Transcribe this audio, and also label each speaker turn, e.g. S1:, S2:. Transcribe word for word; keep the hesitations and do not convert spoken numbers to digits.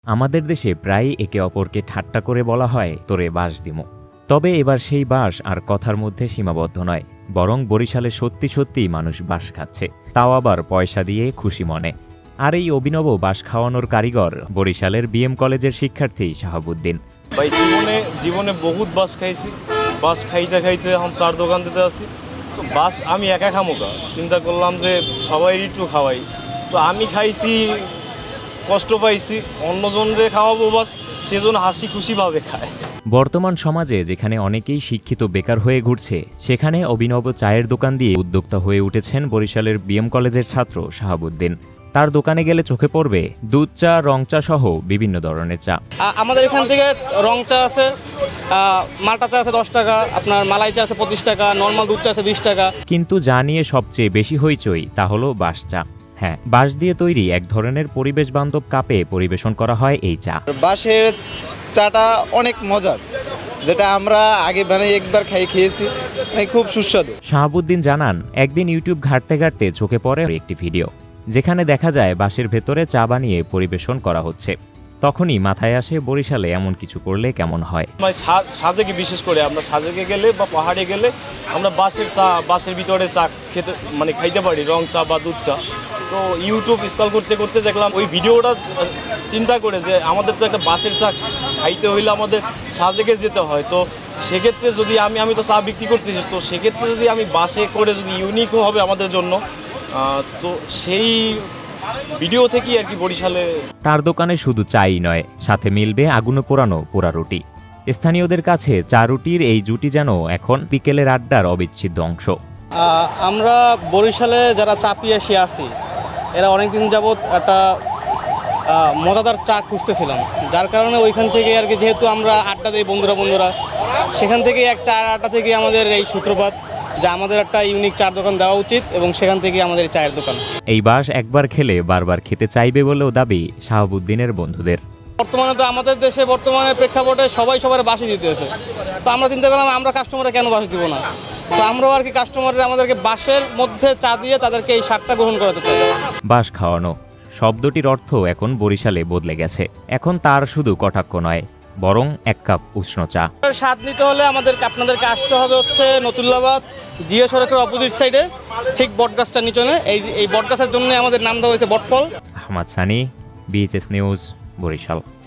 S1: আমাদের দেশে প্রায়ই একে অপরকে ঠাট্টা করে বলা হয় তোরে বাঁশ দিমু। তবে এবার সেই বাঁশ আর কথার মধ্যে সীমাবদ্ধ নয়, বরং বরিশালে সত্যি সত্যিই মানুষ বাঁশ খাচ্ছে, তাও আবার পয়সা দিয়ে খুশি মনে। আর এই অভিনব বাঁশ খাওয়ানোর কারিগর বরিশালের বিএম কলেজের শিক্ষার্থী শাহাবুদ্দিন।
S2: ভাই জীবনে জীবনে বহুত বাঁশ খাইছি, বাঁশ খাইতে খাইতে এখন চার দোকান দিতে আসি। তো বাঁশ আমি একা খামোকা, চিন্তা করলাম যে সবাই একটু খাওয়াই। তো আমি খাইছি, কষ্ট পাইছি, অন্যজনরে খাওয়াবো বাস, সেজন্য হাসি খুশিভাবে খায়।
S1: বর্তমান সমাজে যেখানে অনেকেই শিক্ষিত বেকার হয়ে ঘুরছে, সেখানে অভিনব চায়ের দোকান দিয়ে উদ্যোক্তা হয়ে উঠেছেন বরিশালের বিএম কলেজের ছাত্র শাহাবুদ্দিন। তার দোকানে গেলে চোখে পড়বে দুধ চা, রং চা সহ বিভিন্ন ধরনের চা।
S3: আমাদের এখান থেকে রং চা আছে, মাল্টা চা আছে দশ টাকা, আপনার মালাই চা আছে পঁচিশ টাকা, নর্মাল দুধ চা আছে বিশ টাকা।
S1: কিন্তু যা নিয়ে সবচেয়ে বেশি হইচই তা হলো বাঁশ চা। হ্যাঁ, বাঁশ দিয়ে তৈরি এক ধরনের পরিবেশ বান্ধব কাপে পরিবেশন করা হয় এই চা।
S4: বাঁশের চাটা অনেক মজার, যেটা আমরা আগে বানাই একবার খাই খেয়েছি, খুব সুস্বাদু।
S1: শাহাবুদ্দিন জানান, একদিন ইউটিউব ঘাঁটতে ঘাঁটতে চোখে পড়ে একটি ভিডিও, যেখানে দেখা যায় বাঁশের ভেতরে চা বানিয়ে পরিবেশন করা হচ্ছে। তখনই মাথায় আসে বরিশালে এমন কিছু করলে কেমন হয়।
S2: মানে সাজেকে বিশেষ করে আমরা সাজেকে গেলে বা পাহাড়ে গেলে আমরা বাঁশের চা, বাঁশের ভিতরে চা খেতে মানে খাইতে পারি, রং চা বা দুধ চা। তো ইউটিউব স্ক্রল করতে করতে দেখলাম ওই ভিডিওটা, চিন্তা করে যে আমাদের তো একটা বাঁশের চা খাইতে হইলে আমাদের সাজেকে যেতে হয়। তো সেক্ষেত্রে যদি আমি আমি তো চা বিক্রি করতেছি, তো সেক্ষেত্রে যদি আমি বাঁশে করে যদি ইউনিকও হবে আমাদের জন্য, তো সেই ভিডিও থেকেই আর কি বরিশালে।
S1: তার দোকানে শুধু চাই নয়, সাথে মিলবে আগুনে পোড়ানো পোড়া রুটি। স্থানীয়দের কাছে চা রুটির এই জুটি যেন এখন বিকেলের আড্ডার অবিচ্ছেদ্য অংশ।
S3: আমরা বরিশালে যারা চা পিয়াসী আছি, এরা অনেকদিন যাবৎ একটা মজাদার চা খুঁজতেছিলাম, যার কারণে ওইখান থেকে আর কি, যেহেতু আমরা আড্ডা দিই বন্ধুরা বন্ধুরা সেখান থেকে এক চার আড্ডা থেকে আমাদের এই সূত্রপাত যে আমাদের একটা ইউনিক চার দোকান দেওয়া উচিত, এবং সেখান থেকে আমাদের চায়ের দোকান।
S1: এই বাঁশ একবার খেলে বারবার খেতে চাইবে বলেও দাবি শাহাবুদ্দিনের বন্ধুদের।
S3: বর্তমানে তো আমাদের দেশে বর্তমানে প্রেক্ষাপটে সবাই সবার বাঁশি দিতেছে, তো আমরা চিন্তা করলাম আমরা কাস্টমাররা কেন বাঁশ দিব না। তো আমরাও আর কি কাস্টমাররা আমাদেরকে বাঁশের মধ্যে চা দিয়ে তাদেরকে এই স্বাদটা গ্রহণ করাতে চাই।
S1: বাঁশ খাওয়ানো শব্দটির অর্থ এখন বরিশালে বদলে গেছে। এখন তার শুধু কটাক্ষ নয়, বরং এক কাপ উষ্ণ চা।
S3: স্বাদ নিতে হলে আমাদের আপনাদেরকে আসতে হবে হচ্ছে নতুল্লাবাদ জিয়া সড়কের অপোজিট সাইডে, ঠিক বটগাছটার নিচনে। এই এই বটগাছের জন্য আমাদের নাম দেওয়া হয়েছে বটফল।
S1: Ahmad Sunny, BHS news, Barishal.